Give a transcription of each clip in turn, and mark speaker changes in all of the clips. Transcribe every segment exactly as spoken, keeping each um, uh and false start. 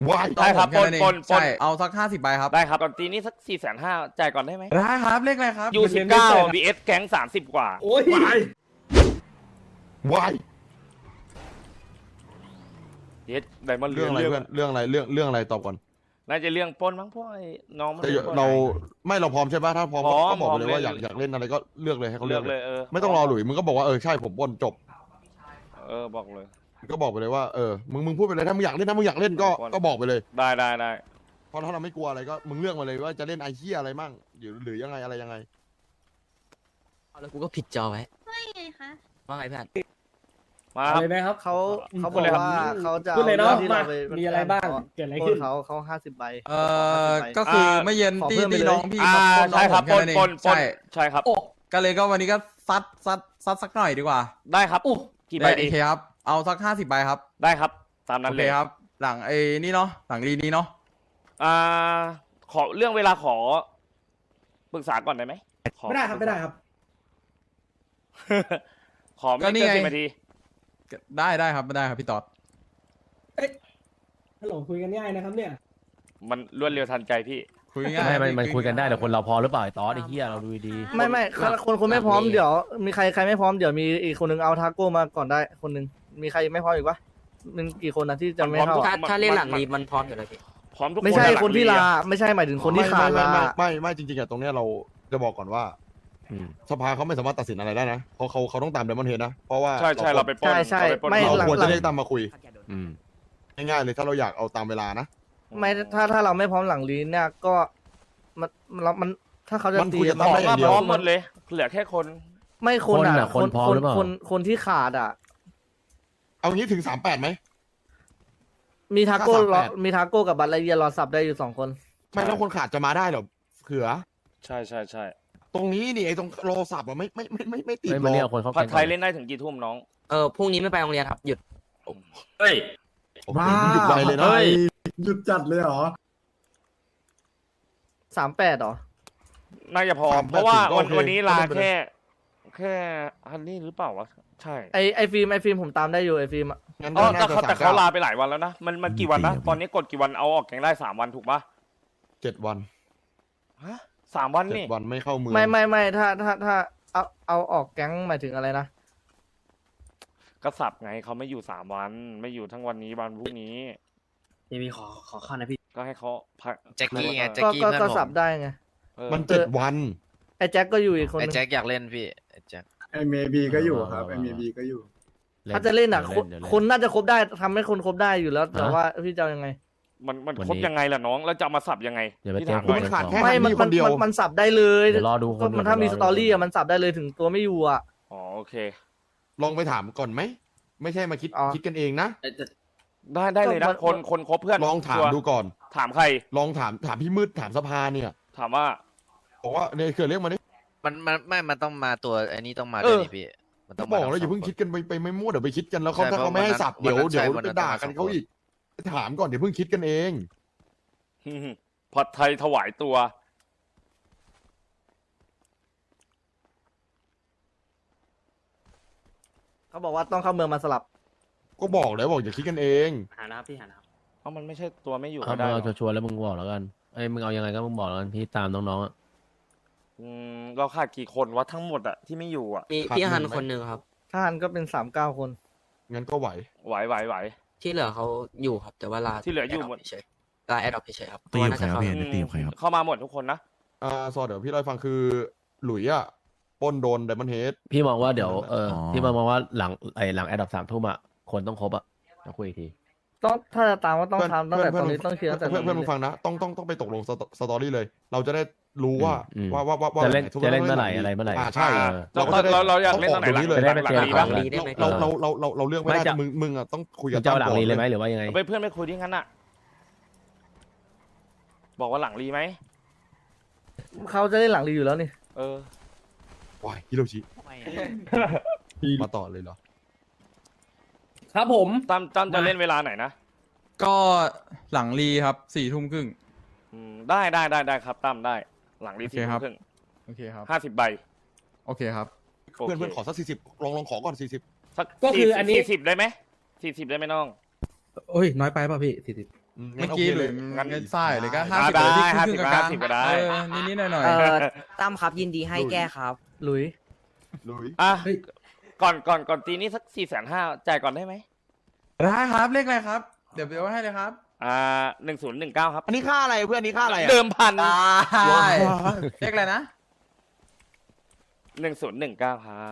Speaker 1: วาย
Speaker 2: ได้ครับปนปนปน
Speaker 3: เอาสักห้าสิบใบครับ
Speaker 2: ได้ครับตอนตีนี้สักสี่แสนห้าจ่ายก่อนได้ไหม
Speaker 3: ได้ครับเลขอะไรครับ
Speaker 2: ยูสิบเก้าบีเอสแก๊งสามสิบกว่า
Speaker 4: โอ้ยว
Speaker 1: ายวาย
Speaker 2: เยสไดมอนด์
Speaker 1: เรื่องอะไรเพื่อนเรื่องอะไรเรื่องเรื่องอะไรตอบก่อน
Speaker 2: น่าจะเรื่องปล้นมั้งพวกไอ้น้องมัน
Speaker 1: แต่
Speaker 2: ปล้น
Speaker 1: เราไม่เราพร้อมใช่ปะถ้าพร้อม
Speaker 2: พร้อม
Speaker 1: ก็บอกไปเลย
Speaker 2: พร้อม
Speaker 1: ว่าอยาก
Speaker 2: เล่น
Speaker 1: อยากเล่นอะไรก็เลือกเลยให้เขา
Speaker 2: เลื
Speaker 1: เลื
Speaker 2: อ
Speaker 1: อก ก
Speaker 2: เลยเออ
Speaker 1: ไม่ต้องรอหลุยมึงก็บอกว่าเออใช่ผมบนจบ
Speaker 2: เออบอกเลย
Speaker 1: ก็บอกไปเลยว่าเออมึงมึงพูดไปเลยถ้ามึงอยากเล่นถ้ามึงอยากเล่นก็
Speaker 2: บอล
Speaker 1: ก็บอกไปเลย
Speaker 2: ได้ได้ได้
Speaker 1: เพราะถ้าเราไม่กลัวอะไรก็มึงเลือกมาเลยว่าจะเล่นไอเฮียอะไรมั่งหรือหรือยังไงอะไรยังไง
Speaker 5: แล้วกูก็ผิดจอไว้
Speaker 6: ว่าไงคะ
Speaker 5: ว่าไงเพื่อน
Speaker 2: มาค
Speaker 4: อะ
Speaker 2: รับ
Speaker 4: ไรนะครับ
Speaker 7: เขาเขา
Speaker 2: พู
Speaker 7: บ
Speaker 2: ด
Speaker 7: อก
Speaker 2: เลยครับ
Speaker 7: ว่าเขาจะ
Speaker 4: พูดเลยเนาะ
Speaker 7: ที่
Speaker 4: มา
Speaker 7: เราไป
Speaker 4: มีอะไรบ้างเกิดอะไร
Speaker 7: ปล้
Speaker 4: ขึ้
Speaker 7: น
Speaker 4: น
Speaker 7: เขาเขาห้าสิบใบ
Speaker 3: เออก็คือไม่เย็น
Speaker 7: ขอ
Speaker 3: ตี
Speaker 7: เพิ่มไป
Speaker 3: ตี
Speaker 7: เลย
Speaker 3: น้องพี่
Speaker 2: อ่า
Speaker 3: มาปล้นน้
Speaker 2: ใช่
Speaker 3: อง
Speaker 2: ครับ
Speaker 3: ผม
Speaker 2: ป
Speaker 3: แค่
Speaker 2: น
Speaker 3: นั้นเอง
Speaker 2: ปนปน
Speaker 3: ใช่
Speaker 2: ใช่ครับ
Speaker 3: ก็เลยก็วันนี้ก็ซัดซัดซัดสักหน่อยดีกว่า
Speaker 2: ได้ครับกี่ใบ
Speaker 3: ได้
Speaker 2: ดี
Speaker 3: โอเคครับเอาสักห้าสิบใบครับ
Speaker 2: ได้ครับตามนั้
Speaker 3: โอน เค
Speaker 2: เลย
Speaker 3: ครับ หลังไอ้นี่เนาะหลังรีนี้เนาะ
Speaker 2: อ่าขอเรื่องเวลาขอปรึกษาก่อนได้ไหมขอ
Speaker 4: ไม่ได้ครับไม่ได้ครับ
Speaker 2: ขอไม่เกินสิบนาที
Speaker 3: ได้ได้ครับไม่ได้ครับพี่ต๊อด
Speaker 4: ฮัลโหลคุยกันง่ายนะครับเนี่ย
Speaker 2: มันรวดเร็วทันใจพี่
Speaker 3: คุยง่าย
Speaker 8: ไม่มันมันคุยกันได้แต่คนเราพอหรือเปล่าไอ้ตอสไอ้เหี้ยเราดูดี
Speaker 7: ไม่ไม่คนคนคนไม่พร้อมเดี๋ยว มีใครใครไม่พร้อมเดี๋ยวมีอีกคนนึงเอาทาโก้มาก่อนได้คนนึงมีใครไม่พร้อมอีกปะมันกี่คนนะที่จะไม่เข้า
Speaker 2: มันพร้
Speaker 5: ถ้า
Speaker 2: อม
Speaker 5: ถ้าเล่นหลังรีมันพร้อมอยู่แล้วพี่
Speaker 2: พร้อมทุกคน
Speaker 7: ไม่ใช่
Speaker 2: หลัง
Speaker 7: คนที่
Speaker 2: เรีย
Speaker 7: ลาไม่ใช่หมายถึงคนที่
Speaker 1: ไม่
Speaker 7: ขาด
Speaker 1: ไม่
Speaker 7: ลา
Speaker 1: ไม่ไม่ไม่จริงๆอะตรงเนี้ยเราจะบอกก่อนว่า
Speaker 8: ๆอืม
Speaker 1: สภาเขาไม่สามารถตัดสินอะไรได้นะเพราะเขาเขาต้องตามเดมอนเฮดนะเพราะว่า
Speaker 2: ใช่ใช่เราไปปล้น
Speaker 7: ใช่ใช่
Speaker 2: เราไปปล้น
Speaker 7: ไม่
Speaker 2: เขา
Speaker 1: เราควรจะได้ตามมาคุย
Speaker 8: อืม
Speaker 1: ง่ายๆเลยถ้าเราอยากเอาตามเวลานะ
Speaker 7: ไม่ถ้าถ้าเราไม่พร้อมหลังลีนเนี่ยก็มันเรามันถ้าเขาจะ
Speaker 1: มัน
Speaker 7: ตี
Speaker 1: คุยกัน
Speaker 2: บ
Speaker 1: ตาม
Speaker 2: อก
Speaker 1: ได้อย่า
Speaker 2: ว่าง
Speaker 1: เดีย
Speaker 2: พ
Speaker 1: ว
Speaker 2: ร้อมหมดเลย เหลือแค่คน
Speaker 7: ไม่คนอ่ะ
Speaker 8: คนอะคนพร้อมหรือเปล่า
Speaker 7: คนคนที่ขาดอ่ะ
Speaker 1: เอางี้ถึงสามแปดไหม
Speaker 7: มีทาโก้
Speaker 1: ถ้าสามแปด
Speaker 7: รอมีทาโก้กับบัตรไลเยียรอสับได้อยู่สองคน
Speaker 1: ไม่แล้วคนขาดจะมาได้เหรอเขือ
Speaker 2: ใช่ใช่ใช่
Speaker 1: ตรงนี้นี่ไอ้ตรงโลสับอะไม่ไม่ไม่ไม่ไม่ติด
Speaker 8: เฮ้ย
Speaker 1: หร
Speaker 8: มัน
Speaker 1: อ
Speaker 8: เรียก
Speaker 1: ก
Speaker 8: คนเข้า
Speaker 2: ผัด
Speaker 8: แก๊ง
Speaker 2: ไทยเล่นได้ถึงกี่ทุ่มน้อง
Speaker 5: เออพรุ่งนี้ไม่ไปโรงเรียนครับหยุด
Speaker 9: เฮ้ย
Speaker 1: โอ้โหหยุดไวเลยนะ
Speaker 9: เฮ้ย
Speaker 4: หยุดจัดเลยเหรอ
Speaker 7: สามแปดหรอ
Speaker 2: น่าจะพอ
Speaker 1: สามแปด
Speaker 2: เพราะว่า
Speaker 1: ถึงก็
Speaker 2: วัน
Speaker 1: โอเค
Speaker 2: วันนี้ลา
Speaker 1: ก็เล่นไปเลย
Speaker 2: แค่ แค่ฮันนี่หรือเปล่าวะ ใช่
Speaker 7: ไอไอฟิล์มไอฟิล์มผมตามได้อยู่ไอฟิล์มอะ
Speaker 1: งั้น
Speaker 2: อ๋
Speaker 1: ก็
Speaker 2: อ
Speaker 1: น่า
Speaker 2: แต่
Speaker 1: จะ
Speaker 2: เขา
Speaker 1: สา
Speaker 2: แต่
Speaker 1: ม
Speaker 2: เขา
Speaker 1: เก้า
Speaker 2: ลาไปหลายวันแล้วนะ มันมันกี่วันนะ ตอนนี้กดกี่วันเอาออกแกงได้สามวันถูกปะ
Speaker 1: เจ็ดวัน
Speaker 2: ฮะสามวัน
Speaker 1: เจ็
Speaker 2: นี่
Speaker 1: ดวันไม่เข้าเมือง
Speaker 7: ไม่ไม่ไม่ถ้าถ้าถ้าเอาเอาออกแก๊งหมายถึงอะไรนะ
Speaker 2: กระสับไงเขาไม่อยู่สามวัน ไม่อยู่ทั้งวันนี้วันพรุ่งนี้
Speaker 9: พี่มีขอขอข้านะพี่
Speaker 2: ก็ให้เขาพัก
Speaker 10: แจ็คกี้ไง
Speaker 2: เออ
Speaker 10: แจ็ค
Speaker 7: ก็
Speaker 10: กี้
Speaker 7: ก็
Speaker 10: เพื่อน
Speaker 7: ก็
Speaker 10: ผม
Speaker 7: สับได้ไง
Speaker 2: เออ
Speaker 1: มันเจ็ดวัน
Speaker 7: ไอแจ็คก็อยู่อีกคน
Speaker 10: ไอ้
Speaker 7: นึง
Speaker 10: แจ็คอยากเล่นพี่ไอ้แจ็ค
Speaker 4: ไอเมบีก็อยู่ครับไอเมบีก็อยู่
Speaker 7: ถ้าจะเล่นอ่ะ
Speaker 8: ดี๋
Speaker 7: ค
Speaker 8: วน เดี๋ยวเล่
Speaker 7: คนน่าจะครบได้ทำให้คนครบได้อยู่แล้ว แต่
Speaker 8: ฮะ
Speaker 7: ว่าพี่จะเอายังไง
Speaker 2: มันมัน
Speaker 8: วัน
Speaker 2: ครบ
Speaker 8: นี้
Speaker 2: ยังไงล่ะน้อง แล้วจะเอามาสับยังไง
Speaker 8: อย่าไป
Speaker 2: พี่
Speaker 8: แจ้ง
Speaker 2: ถามห
Speaker 8: ค
Speaker 2: น่
Speaker 8: น
Speaker 2: อย
Speaker 1: มันขาดแค่
Speaker 7: ไม่มัน
Speaker 1: ฮั
Speaker 7: มัน
Speaker 1: นนี่คนเดียว
Speaker 7: มันมันสับได้เลย
Speaker 8: เดี๋ยวรอดูคน
Speaker 7: ก็มันถ้ามี
Speaker 8: เดี๋
Speaker 7: ส
Speaker 8: ยวรอ
Speaker 7: ตอรี่อ่ะมันสับได้เลยถึงตัวไม่อยู่อ่ะ
Speaker 2: อ๋อโอเค
Speaker 1: ลองไปถามก่อนไหมไม่ใช่มาคิด
Speaker 7: อ๋อ
Speaker 1: คิดกันเองนะ
Speaker 2: ได้ได้เลยนะ
Speaker 7: ก็มัน
Speaker 2: คนคนครบเพื่อน
Speaker 1: ลองถาม
Speaker 2: ชัวร์
Speaker 1: ดูก่อน
Speaker 2: ถามใคร
Speaker 1: ลองถามถามพี่มืดถามสภาเนี่ย
Speaker 2: ถามว่า
Speaker 1: บอกว่าเนี่ยเกิดเรื่องมาดิ
Speaker 10: มันมันไม่มันต้องมาตัวไอ้นี่ต้องมา
Speaker 2: เอ
Speaker 10: ด้วย
Speaker 2: อ
Speaker 10: นี่พี่มันต้
Speaker 1: ก็
Speaker 10: อง
Speaker 1: บ
Speaker 10: มา
Speaker 1: อกแล้วอย่า
Speaker 10: ทั้
Speaker 1: เพิ่ง
Speaker 10: ส
Speaker 1: คิดกันไปไปไม่มั่วเดี๋ยวไปคิดกันแล้วเขา
Speaker 10: ใช่
Speaker 1: ถ้าเขาไม่ให้สับ
Speaker 10: เพราะ
Speaker 1: เดี๋ยว
Speaker 10: วันนั้น
Speaker 1: เดี๋ยว
Speaker 10: วันนั้น
Speaker 1: ไปด่ากัน
Speaker 10: ต้องมา
Speaker 1: เขาอีกถามก่อนเดี๋ยวเพิ่งคิดกันเอง
Speaker 2: ผัดไทยถวายตัว
Speaker 7: เขาบอกว่าต้องเข้าเมืองมาสลับ
Speaker 1: ก็บอกแล้วบอกอย่าคิดกันเอง
Speaker 9: หานะครับพี่หานะครับ
Speaker 2: เพราะมันไม่ใช่ตัวไม่อยู่
Speaker 8: เอา
Speaker 2: ก็ได้
Speaker 8: มึง
Speaker 2: หร
Speaker 8: เอา
Speaker 2: อก
Speaker 8: ชัวร์ๆแล้วมึงบอกแล้วกันไอ้ยมึงเอายังไงก็มึงบอกแล้วกันพี่ตามน้องๆอะ
Speaker 2: อืมเราขาดกี่คนวะทั้งหมดอะที่ไม่อยู่อะ
Speaker 5: มี
Speaker 1: ขาด
Speaker 5: พี่ฮัน
Speaker 1: หนึ่งไหม
Speaker 5: คนหนึ่งครับ
Speaker 7: ถ้าหันก็เป็นสามเก้าคน
Speaker 1: งั้นก็ไหว
Speaker 2: ไหวไหวไหว
Speaker 5: ที่เหลือเขาอยู่ครับ แต่ว่าลา
Speaker 2: ที่เหลืออยู่หมด
Speaker 5: เฉยๆลาแอดอปเฉยๆครับ
Speaker 11: ตีกับ
Speaker 5: เพาะว่าน่าจะ
Speaker 11: ใครครับ
Speaker 5: เข้า
Speaker 11: พี่ ได้ตีกับใครครับ
Speaker 2: เข้ามาหมดทุกคนนะ
Speaker 1: อ่าซอเดี๋ยวพี่เล่าให้ฟังคือหลุยอะปล้นโดนไดมอนเฮด
Speaker 8: พี่มองว่าเดี๋ยวเออ
Speaker 11: อ๋อ
Speaker 8: พี่มองว่าหลังไอ้หลังแอดดับสามทุ่มอะคนต้องครบอะจะคุยอีกที
Speaker 7: ต้องถ้าจะตามก็ต้องทำตั้งแต่ตอนนี้ต้องเคลียร์ตั้งแต่
Speaker 1: เพื่อนเพื่อนมึงฟังนะต้องต้องต้องไปตกลงสตสตอรี่เลย เราจะได้รู้ว่า
Speaker 8: อืม
Speaker 1: ว่าว่าว่าว่า
Speaker 8: จะเล่น
Speaker 1: ทุก
Speaker 8: จะเล่น
Speaker 1: ต้ง
Speaker 8: เมื่อไหร่
Speaker 1: ลัง
Speaker 8: อะไรเมื่อไหร่
Speaker 1: อ่าใช่
Speaker 2: อ่า
Speaker 1: เราก็จะได้
Speaker 2: เราเราอยากเล่น
Speaker 1: ต้
Speaker 2: ต
Speaker 1: อ
Speaker 2: อง นไหน
Speaker 1: ออกตรงนี้เลย
Speaker 2: หลัง
Speaker 8: จะได้ไปเจอ
Speaker 2: หลังลี
Speaker 8: กั
Speaker 2: ปะ
Speaker 8: น
Speaker 5: หลังลีได้ไหม
Speaker 1: เราเราเราเราเราเลือกไม่ได้
Speaker 8: ไม่จะ
Speaker 1: มึงมึงอ่ะต้องคุยกั
Speaker 8: มึ
Speaker 1: บ
Speaker 8: งจะเอาหลัง
Speaker 1: ตั้ม
Speaker 8: ลีเลยไหม
Speaker 1: ก่อน
Speaker 8: หรือว่ายังไง
Speaker 2: ไปเพื่อนไปคุยที่งั้นอะบอกว่าหลังรีไหม
Speaker 7: เขาจะเล่นหลังรีอยู่แล้วนี่
Speaker 2: เออ
Speaker 1: ว้ายฮิโรชิมาต่อเลยเหรอ
Speaker 4: ครับผม
Speaker 2: ตั้มตั้มจะเล่นเวลาไหนนะ
Speaker 3: ก็หลังรีครับสี่ทุ่มครึ่ง
Speaker 2: อืมได้ได้ได้ได้ครับตั้มได้ หลังรี
Speaker 3: โอเค
Speaker 2: สี่
Speaker 3: ครับ
Speaker 2: ครึ่ง
Speaker 3: โอเคครับ
Speaker 2: ห้าสิบใบ
Speaker 3: โอเคครับ
Speaker 2: โอ
Speaker 1: เพื่อน
Speaker 2: เค
Speaker 1: เพื่อนขอสักสี่สิบลองลองขอก่อนสี่สิบ
Speaker 2: สัก
Speaker 4: ก็คืออันนี้
Speaker 2: สี่สิบได้ไหมสี่สิบได้ไหมน้อง
Speaker 4: โอ้ยน้อยไปป่ะพี่สี่สิบ
Speaker 1: อื
Speaker 3: เมื่อ
Speaker 1: โค
Speaker 3: กี้ห
Speaker 1: เล
Speaker 3: ลุ
Speaker 1: ย
Speaker 3: ย
Speaker 1: งั้น
Speaker 3: เงินไส้เลยก็
Speaker 2: อ่า
Speaker 3: ห้าสิบ
Speaker 2: ได้
Speaker 3: เลยที่
Speaker 2: ห้า
Speaker 3: ค
Speaker 2: สิ
Speaker 3: รึ่
Speaker 2: บ
Speaker 3: งๆกลาง
Speaker 2: ห้าสิบก็ได้
Speaker 3: เออนิดๆหน่อย
Speaker 5: เอ่อตั้มครับยินดีให้แก้ครับ
Speaker 7: หลุย
Speaker 1: ลุย
Speaker 2: อ่ะก่อนก่อนก่อนตีนี้สักสี่แสนห้าจ่ายก่อนได้ไหม
Speaker 3: ๆได้ครับเลขอะไรครับ เดี๋ยวเดี๋ยวให้เลยครับ
Speaker 2: อ่าหนึ่งศูนย์หนึ่งเก้าครับ
Speaker 1: อันนี้ค่าอะไรเพื่อนอันนี้ค่าอะไรอะ
Speaker 2: เดิมพัน
Speaker 3: ได้เลขอะไรนะ
Speaker 2: หนึ่งศูนย์หนึ่งเก้าครับ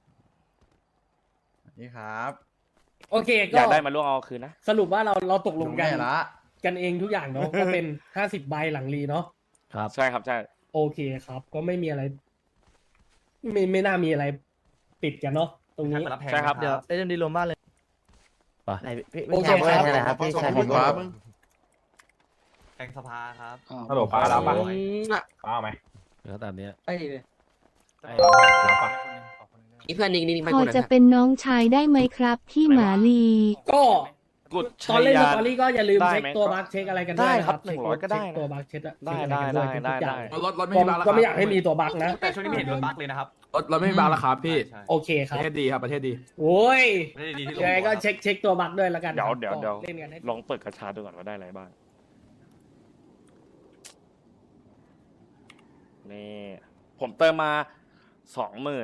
Speaker 3: นี่ครับ
Speaker 4: โอเค
Speaker 2: อ
Speaker 4: ก็
Speaker 2: ยากได้มาล่วงเอาคืนนะ
Speaker 4: สรุปว่าเราเราตกลงกัน
Speaker 3: แน่ละ
Speaker 4: กันเองทุกอย่างเนาะ ก็เป็นห้าสิบใบหลังรีเนาะ
Speaker 8: ครับ
Speaker 2: ใช่ครับใช่
Speaker 4: โอเคครับ ก็ไม่มีอะไร ไม่ไม่น่ามีอะไรปิดกันเนาะตรงนี้
Speaker 2: ใช่ครับ
Speaker 7: เดี๋ยวเอ็มดีรวมบ้านเลย
Speaker 9: ไหนพี่
Speaker 4: โอเค
Speaker 9: พี่ชาย
Speaker 4: ครับ
Speaker 9: อะไรครับพี่ชาย
Speaker 1: ขอบคุณครับ
Speaker 9: แกงสภาครับ
Speaker 6: ฮัลโหลป้ารับปะ
Speaker 4: อืม
Speaker 6: ป้าเอาไหม
Speaker 8: แล้วตามเนี้ย
Speaker 7: ไอ้
Speaker 6: รับปะ
Speaker 5: นี่เพื่อนนิ่งๆไป
Speaker 11: พอ
Speaker 5: คนนึง
Speaker 11: จะ
Speaker 5: ครับ
Speaker 11: เป็นน้องชายได้ไหมครับพี่หมาลี
Speaker 4: ก็
Speaker 2: กุด
Speaker 4: ต
Speaker 2: ชั
Speaker 4: อน
Speaker 2: ย
Speaker 4: เล่นส
Speaker 2: ยาน
Speaker 4: ตอรี่ก็อย่าลืม
Speaker 2: ได้
Speaker 4: เช็ค
Speaker 2: ไหม
Speaker 4: ตัว
Speaker 2: ก็
Speaker 4: บัคเช็คอะไรกัน
Speaker 2: ได้
Speaker 4: ด้วยนะครับ
Speaker 2: หนึ่งร้อยก็ได้
Speaker 4: เช็ค
Speaker 2: นะ
Speaker 4: ตัวบัคเช็ค
Speaker 2: ได้
Speaker 4: เช็ค
Speaker 2: ได้
Speaker 4: อะไรกัน
Speaker 2: ได้
Speaker 4: ด้วยทุก
Speaker 2: ได้
Speaker 4: อย่าง
Speaker 2: ได้
Speaker 6: รถรถไม่
Speaker 4: ก็
Speaker 6: มีบาร์แล้ว
Speaker 4: ก็ไม่อ
Speaker 6: ค
Speaker 4: ยา
Speaker 6: รับ
Speaker 4: กให้มีตัวบัคนะ
Speaker 9: แต่ช่วงนี้ไม่เห็นโดนบั๊กเลยนะครับ
Speaker 6: รถรถไม่มีบาร์แล้วครับพี่
Speaker 9: ใช่
Speaker 4: โอเคค
Speaker 6: ป
Speaker 4: รับ
Speaker 6: ระเทศดีครับประเทศดี
Speaker 4: โอ้ย
Speaker 9: ไม่ได้ดีที่ลง
Speaker 4: ยังไงก็
Speaker 9: หัว
Speaker 4: เช็คเช็คตัวบัคด้วยแล้วกัน
Speaker 2: เดี๋ยว
Speaker 4: ครับ
Speaker 2: เดี๋ยวเดี๋ยว
Speaker 4: ก็เล่นกันให้
Speaker 2: ลองเปิดกระชาดูก่อนว่าได้อะไรบ้าง นี่ ผมเติมมาสองหมื่น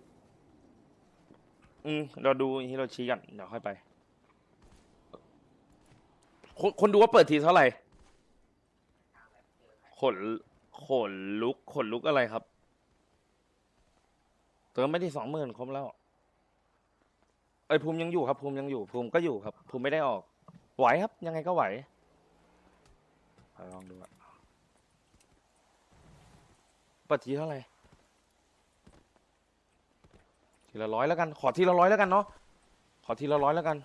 Speaker 2: อืมเราดูฮิโรชิกันเดี๋ยวค่อยไป คนคนดูว่าเปิดทีเท่าไหร่ ขนขนลุกขนลุกอะไรครับ เติมไม่ที่สองหมื่นครบแล้ว เอ้ยภูมิยังอยู่ครับ ภูมิยังอยู่ ภูมิก็อยู่ครับ ภูมิไม่ได้ออก ไหวครับ ยังไงก็ไหวเอาลองดูอะเปิดทีเท่าไหร่ ทีละร้อยแล้วกัน ขอทีละร้อยแล้วกันเนาะ ขอทีละร้อยแล้วกัน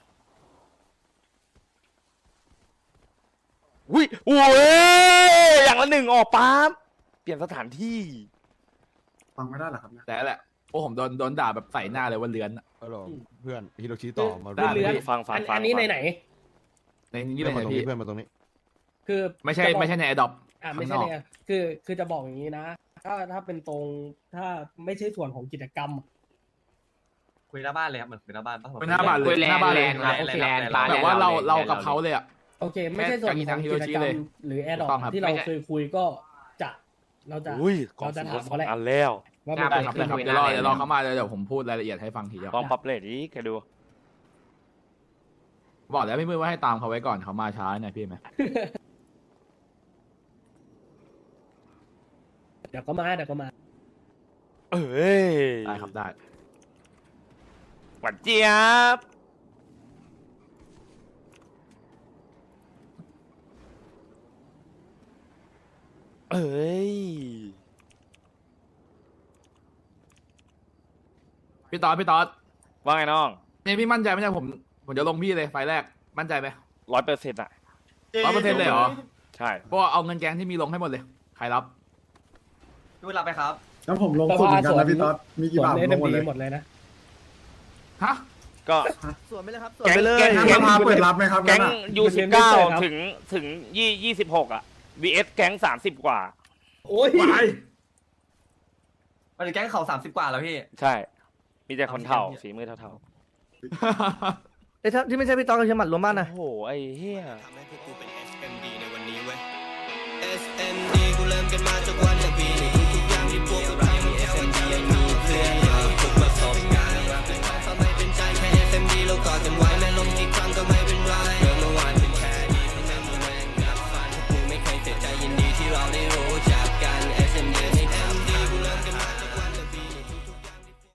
Speaker 2: อุ้ยโอ้ยอย่างละหนึ่งออกปั๊บเปลี่ยนสถานที่
Speaker 4: ฟังไม่ได้หรอครับเนี่ย
Speaker 6: แต่แหละโอ้ผมโดนโดนด่าแบบใส่หน้าเลยว่าเลือนอะ
Speaker 1: ฮัลโหลเพื่อนฮิโรชิต่อมา
Speaker 6: ได้
Speaker 4: เลือน
Speaker 2: ฟังฟัง
Speaker 4: อัน
Speaker 2: ฟัง
Speaker 4: อันนี้
Speaker 2: ฟั
Speaker 4: ใน
Speaker 2: ง
Speaker 4: ไหน
Speaker 6: ในนี้
Speaker 1: เพื่
Speaker 6: เล
Speaker 1: อน
Speaker 6: ย
Speaker 1: มาตรง
Speaker 6: พี่
Speaker 1: นี้เพื่อนมาตรงนี้
Speaker 4: คือ
Speaker 6: ไม่ใช่
Speaker 4: จะบอก
Speaker 6: ไม่ใช่ในแอดดอป
Speaker 4: อ่าไม่ใช่เนี่ยคือคือจะบอกอย่างนี้นะ ถ้าถ้าเป็นตรงถ้าไม่ใช่ส่วนของกิจกรรม
Speaker 9: คุยหน้าบ้านเลยครับเหมือนคุยหน้าบ้านปะ
Speaker 6: เป็นหน้าบ้านเลยหน้าบ้านเลย
Speaker 9: แลนด์ครับแลนด์แลนด์
Speaker 6: แต่ว่าเราเรากับเขาเลยอะ
Speaker 4: โอเค ไม่ใช่ส่วนของกิจกรรมหรือแอดดอ
Speaker 6: ถูกต้องครับ
Speaker 4: ที่เราเคยคุยก็จะเราจะ
Speaker 2: อุ้ยกอง
Speaker 4: เราจะ
Speaker 2: สิน
Speaker 4: ถาม
Speaker 2: สอ
Speaker 4: เขา
Speaker 2: ง
Speaker 4: แหละ
Speaker 2: อันแล้ว
Speaker 4: ว่ามัน
Speaker 6: ได้
Speaker 4: เกิด
Speaker 6: ครับ
Speaker 4: ขึ้น
Speaker 6: ได้ครับเดี๋ยวรอเดี๋ยวรอเขามาเดี๋ยวผมพูดรายละเอียดให้ฟังทีเดียว
Speaker 2: กองพับเลทอีกแกดู
Speaker 6: บอกแล้วพี่มือว่าให้ตามเขาไว้ก่อนเขามาช้าหน่อยพี่ไหม
Speaker 4: เดี๋ยวก็มาเดี๋ยวก็มา
Speaker 2: เอ้ย
Speaker 6: ได้ครับได้
Speaker 2: หวานเจี๊ยบ เอ้ย
Speaker 6: พี่ตอดพี่ตอด
Speaker 2: ว่าไงน้อง
Speaker 6: เนี่ยพี่มั่นใจไหมเนี่ยผมผมจะลงพี่เลยไฟล์แรกมั่นใจไหม
Speaker 2: ร้อยเปอร์เซ็นต์อ่ะ
Speaker 6: ร้อยเปอร์เซ็นต์เลยเหรอ
Speaker 2: ใช่
Speaker 6: เพราะว่าเอาเงินแกงที่มีลงให้หมดเลยใครรับ
Speaker 9: ดูรับไปครับ
Speaker 4: แล้วผมลงสุดเหมือนกันนะพี่ต๊อดมีกี่บาทลงหมดเลยหมดเลยนะ
Speaker 6: ฮะ
Speaker 2: ก็
Speaker 7: ส่วนไปเลยครับส่วนไปเลย
Speaker 2: แก๊ง
Speaker 4: ทางสภาเปิดรับไหมครับ
Speaker 2: แก๊ง
Speaker 4: นั่นน่ะ
Speaker 2: ยูสิบเก้าถึงถึงยี่ยี่สิบหกอ่ะ วี เอส แก๊งสามสิบกว่า
Speaker 4: โอ้ย
Speaker 9: มันจะแก๊งเขาสามสิบกว่าแล้วพี่
Speaker 2: ใช่ มีแต่คนเท่าฝีมือเท่า
Speaker 7: ไอ้ยถ้าที่ไม่ใช่พี่ต๊อกกับเชียงหมัดรวมบ้าน
Speaker 2: ๆ
Speaker 7: นะ
Speaker 2: โอ้โห ไอ้เหี้ย
Speaker 12: ทำให้พวกกูเป็น เอส เอ็ม ดี ในวันนี้เว้ย เอส เอ็ม ดี กูเริ่มกันมาจากวันแรก บี